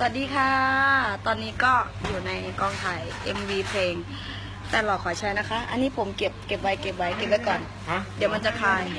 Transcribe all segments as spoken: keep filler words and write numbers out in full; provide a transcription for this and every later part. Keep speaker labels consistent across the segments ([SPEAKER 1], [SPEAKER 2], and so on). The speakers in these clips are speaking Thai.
[SPEAKER 1] วัสดีค่ะ ตอนนี้ก็อยู่ในกองถ่าย เอ็ม วี เพลงแต่หลอกขอใช้นะคะ อันนี้ผมเก็บเก็บไว้เก็บไว้เก็บไว้ก่อน เดี๋ยวมันจะคลาย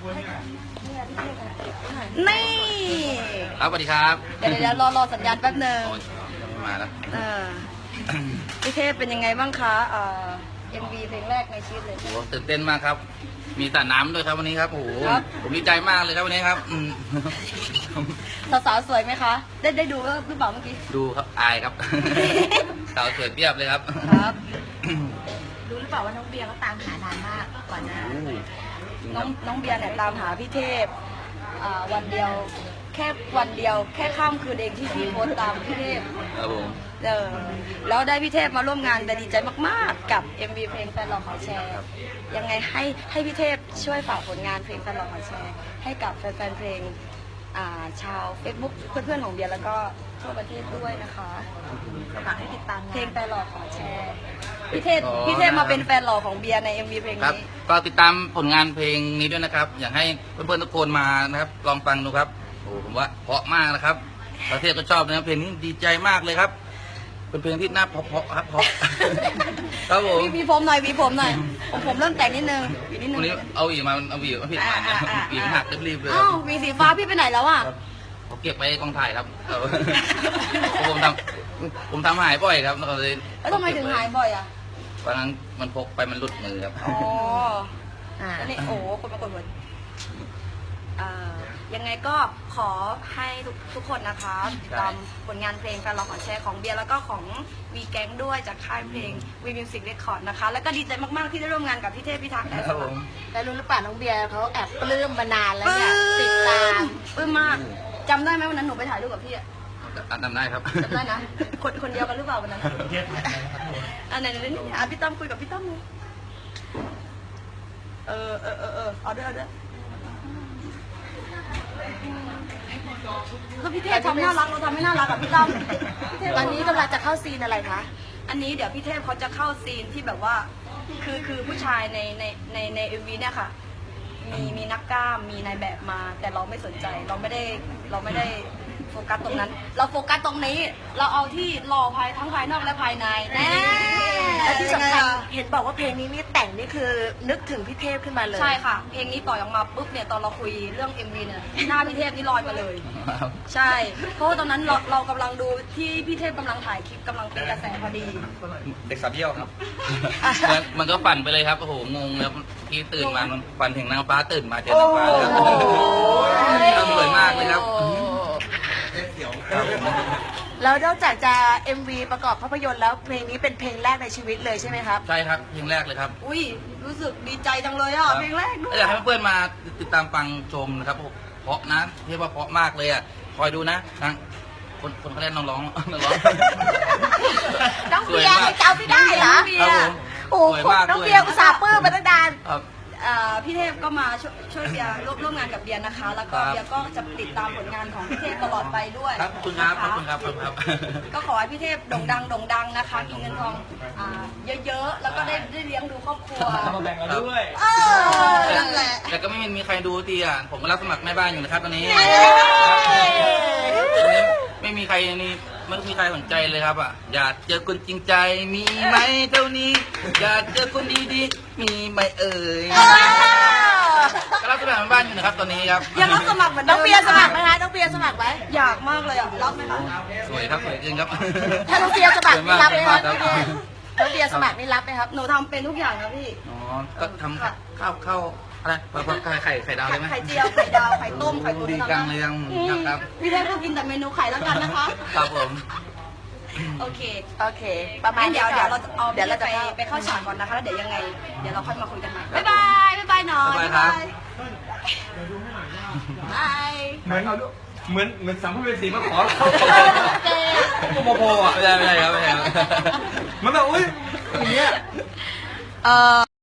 [SPEAKER 1] นี่
[SPEAKER 2] ครับสวัสดีครับ
[SPEAKER 1] เดี๋ยวเดี๋ยวรอรอสัญญาณแป๊บหนึ่ง
[SPEAKER 2] โอ้ยมาแล้ว
[SPEAKER 1] เออพี่เทพเป็นยังไงบ้างคะเอ่อ เอ็ม วี เพลงแรกในชีวิตเลย
[SPEAKER 2] โอ้โหตื่นเต้นมากครับ มีสระน้ำด้วยครับวันนี้ครับโอ้โห
[SPEAKER 1] ครับ
[SPEAKER 2] ผมดีใจมากเลยครับวันนี้ครับอืม
[SPEAKER 1] สาวๆสวยไหมคะ ได้ได้ดูหรือเปล่าเมื่อกี้
[SPEAKER 2] ดูครับอายครับ สาวสวยเปรียบเลยครับ
[SPEAKER 1] ครับ
[SPEAKER 3] รู้หรือเปล่าว่าน้องเบียร์เขาตามหานานมากก่อนหน้า
[SPEAKER 2] โอ้โหจริงค
[SPEAKER 1] น้อ
[SPEAKER 2] รั
[SPEAKER 1] ง
[SPEAKER 2] บ
[SPEAKER 1] น้องเบียร์เนี่ยตามหาพี่เทพอ่าวันเดียวแค่วันเดียวแค่ข้ามคืนเองที่พี่โพสต์ตามพี่เทพ
[SPEAKER 2] ครับผม
[SPEAKER 1] เออแล้วได้พี่เทพมาร่วมงานแต่ดีใจมากๆกับ เอ็ม วี เพลงแฟนหลอกขอแชร์ยังไงให้ให้พี่เทพช่วยฝากผลงานเพลงแฟนหลอกขอแชร์ให้กับแฟนๆเพลงอ่าชาว Facebook เพื่อนๆของเบียร์แล้วก็ทั่วประเทศด้วยนะคะ
[SPEAKER 3] ฝากให้ติดตาม
[SPEAKER 1] เพล
[SPEAKER 3] งาง น
[SPEAKER 1] แฟนหลอกขอแชร์พี่เทพพี่เทพมาเป็นแฟนหลอกของเบียร์ใน เอ็ม วี เพลง
[SPEAKER 2] ครับ
[SPEAKER 1] นี้
[SPEAKER 2] ก็ติดตามผลงานเพลงนี้ด้วยนะครับ อยากให้เพื่อนๆทุกคนมานะครับ ลองฟังดูครับโอ้โหผมว่าเพราะมากนะครับ ประเทศก็ชอบนะครับเพลงนี้ดีใจมากเลยครับ เป็นเพลงที่น่าเพราะๆครับเพราะ ครับผม
[SPEAKER 1] วีวีผมหน่อยวีผมหน่อยผมผมเริ่มแต่งนิดนึงอีกนิดนึ
[SPEAKER 2] วัน
[SPEAKER 1] ง
[SPEAKER 2] นี้เอาอีกมาเอาอีกมาผิดมาเนี่ยอีกหักรีบๆเลยค
[SPEAKER 1] อ้า
[SPEAKER 2] รั
[SPEAKER 1] ว
[SPEAKER 2] บ
[SPEAKER 1] วีสีฟ้าพี่ไปไหนแล้วอ่ะ
[SPEAKER 2] ผมเก็บไว้กองถ่ายครับเออ ผมทำผมทำหายบ่อยครับแล้วก็เลย
[SPEAKER 1] แล้วทำไมถึงหายบ่อยอ่ะ
[SPEAKER 2] ตอนนั้นมันพกไปมันหลุดมือครับ
[SPEAKER 1] อ๋อ
[SPEAKER 3] อ่า
[SPEAKER 1] แล้วนี่โอ้โหคนมากดหัวอ่ายังไงก็ขอให้ทุกทุกคนนะคะติดตามผลงานเพลงแฟนเราขอแชร์ของเบียร์แล้วก็ของวีแก๊งด้วยจากค่ายเพลงวีมิวสิกเรคคอร์ดนะคะ แล้วก็ดีใจมากๆที่ได้ร่วมงานกับพี่เทพพิทักษ์แต่
[SPEAKER 2] ครับผม
[SPEAKER 3] แล้วรู้หรือเปล่าน้องเบียร์เขาแอบปลื้มมานานแล้ว
[SPEAKER 1] ปลื้
[SPEAKER 3] เนี่ยติดตาม
[SPEAKER 1] ปลื้มมากจำได้ไหมวันนั้นหนูไปถ่ายรูปกับพี่อะ
[SPEAKER 2] ทำได้ครับ
[SPEAKER 1] จำได้นะ คนคนเดียวกันหรือเปล่าวันนั้นอันไหนไหนนี่อ่ะพี่ตั้มคุยกับพี่ตั้มเลยเออเออเออเออเอาด้วยเอาด้วยแล้วพี่เทพทำน่ารักเราทำไม่น่ารักกับพี่ตั้มพี่เทพ
[SPEAKER 3] ตอนนี้กำลังจะเข้าซีนอะไรคะ
[SPEAKER 1] อันนี้เดี๋ยวพี่เทพเขาจะเข้าซีนที่แบบว่า คือคือผู้ชายในในในในเอ็มวีเนี่ยค่ะ มีมีนักกล้ามมีนายแบบมา แต่เราไม่สนใจเราไม่ได้เราไม่ได้โฟกัสตรงนั้น เราโฟกัสตรงนี้ เราเอาที่หล่อภายทั้งภายนอกและภายในแน่
[SPEAKER 3] และที่สำคัญ
[SPEAKER 1] ยังไงล่ะ
[SPEAKER 3] เห็นบอกว่าเพลงนี้นี่แต่งนี่คือนึกถึงพี่เทพขึ้นมาเลย
[SPEAKER 1] ใช่ค่ะ เพลงนี้ปล่อยออกมาปุ๊บเนี่ยตอนเราคุยเรื่อง เอ็ม วี เนี่ยหน้าพี่เทพนี่ลอยมาเลย ใช่ เพราะว่าตอนนั้นเราเรากำลังดูที่พี่เทพกำลังถ่ายคลิปกำลังเป็นกระแสพอดี
[SPEAKER 2] เด็กสาวเที่ยวครับ มันมันก็ฝันไปเลยครับโอ้โหงงแล้วพี่ตื่นมามันฝันถึงนางฟ้าตื่นมาเจอนางฟ้าเลยครับ
[SPEAKER 1] โอ้โห
[SPEAKER 2] ทำสวยมากเลยครับ
[SPEAKER 3] แล้วนอกจากจะ เอ็ม วี ประกอบภาพยนตร์แล้วเพลงนี้เป็นเพลงแรกในชีวิตเลยใช่ไหมครับ
[SPEAKER 2] ใช่ครับเพลงแรกเลยครับ
[SPEAKER 1] อุ้ยรู้สึกดีใจจังเลยอ่ะเพลงแรกด้วย
[SPEAKER 2] อยากให้เพื่อนๆมาติดตามฟังชมนะครับเพราะนะเรียกว่าเพราะมากเลยอ่ะคอยดูนะนะคนคนเขาเล่นน้องร้องน้องร้อง
[SPEAKER 3] น้องเบียร์ให้จำไม่ได้เหรอ
[SPEAKER 1] น้องเบียร์
[SPEAKER 2] ครับผม
[SPEAKER 3] โอ้โห
[SPEAKER 2] สวยมาก
[SPEAKER 3] น้อง
[SPEAKER 2] ด้วย
[SPEAKER 3] เบียร์อุตส่าห์ปลื้มมาตั้งนาน
[SPEAKER 2] ครับ
[SPEAKER 1] อ่าพี่เทพก็มาช่วยช่วยเบียร์ร่วมร่วมงานกับเบียร์นะคะ แล้วก็
[SPEAKER 2] ครับ
[SPEAKER 1] เบียร์ก็จะติดตามผลงานของพี่เทพตลอดไปด้วย
[SPEAKER 2] ครับขอบคุณครับขอบ
[SPEAKER 1] นะะ
[SPEAKER 2] คุณครับขอบคุณครับ
[SPEAKER 1] ก็ขอให้พี่เทพโด่งดังโด่งดังนะคะมีเงินทองอ่าเยอะๆแล้วก็ได้ได้เลี้ยงดูครอบครัว
[SPEAKER 2] มาแบ่งเราด้วย
[SPEAKER 1] เออนั่นแหละ
[SPEAKER 2] แต่ก็ไม่มีใครดูทีอ่ะผมก็รับสมัครแม่บ้านอยู่นะครับตอนนี้
[SPEAKER 1] เย้
[SPEAKER 2] ไม่มีใครนี่ไม่มีใครสนใจเลยครับอ่ะอยากเจอคนจริงใจมีไหมเท่านี้ อยากเจอคนดีๆมีไหมเอ่ยก็รับสมัครแม่บ้านอยู่นะครับตอนนี้ครับ
[SPEAKER 1] ยังรับสมัครเหมือน
[SPEAKER 3] น้
[SPEAKER 1] เดิ
[SPEAKER 3] อง
[SPEAKER 1] ม
[SPEAKER 3] เบียร์สมัครไหมคะน้องเบียร์สมัครไหม
[SPEAKER 1] อยากมากเลยอ่ะรับไหมคะ
[SPEAKER 2] สวยครับสวยจริงครับ
[SPEAKER 3] ถ้าน้องเบียร์สมัครนี่รับไหม
[SPEAKER 2] ค
[SPEAKER 3] คะ
[SPEAKER 2] รับ
[SPEAKER 3] น้องเบียร์สมัครนี่รับไหมครับ
[SPEAKER 1] หนูทำเป็นทุกอย่างนะพี่
[SPEAKER 2] อ๋อก็ทำข้าวข้าวอะไรไข่ไข่ไข่ดาวเลยไหม
[SPEAKER 1] ไข่เจียวไข่ดาวไข่ต้มไข่ตุ๋น
[SPEAKER 2] ดีจังเลยยัง
[SPEAKER 1] อืม
[SPEAKER 2] ครับ
[SPEAKER 1] พี่เทพก็กินแต่เมนูไข่แล้วกันนะคะ
[SPEAKER 2] ครับผม
[SPEAKER 1] โอเค
[SPEAKER 3] โอเค ประมาณ
[SPEAKER 1] งั้นเดี๋ยว
[SPEAKER 3] นี้
[SPEAKER 1] เดี๋ยว
[SPEAKER 3] ก่
[SPEAKER 1] เรา
[SPEAKER 3] อน
[SPEAKER 1] จะเอา
[SPEAKER 3] เดี๋ยวเราจะ
[SPEAKER 1] ไป
[SPEAKER 3] เข้า
[SPEAKER 1] ไปเข้าฉากก่อนนะคะแล้วเดี๋ยวยังไง เดี๋ยวเราค่อยมาคุยกันใหม่บ๊ายบายบ๊ายบายหน่อย
[SPEAKER 2] บ๊ายบายครับ
[SPEAKER 1] บาย
[SPEAKER 4] เหมือนเหมือนเหมือนสัมภเวสีมาขอเรา
[SPEAKER 3] เจ๊
[SPEAKER 4] โมโพอ่ะ
[SPEAKER 2] ไม่ใช่ไม่ใช่ครับไม่ใช่ครับ
[SPEAKER 4] มันแบบอุ้ยอย่างเงี้ย
[SPEAKER 1] เออ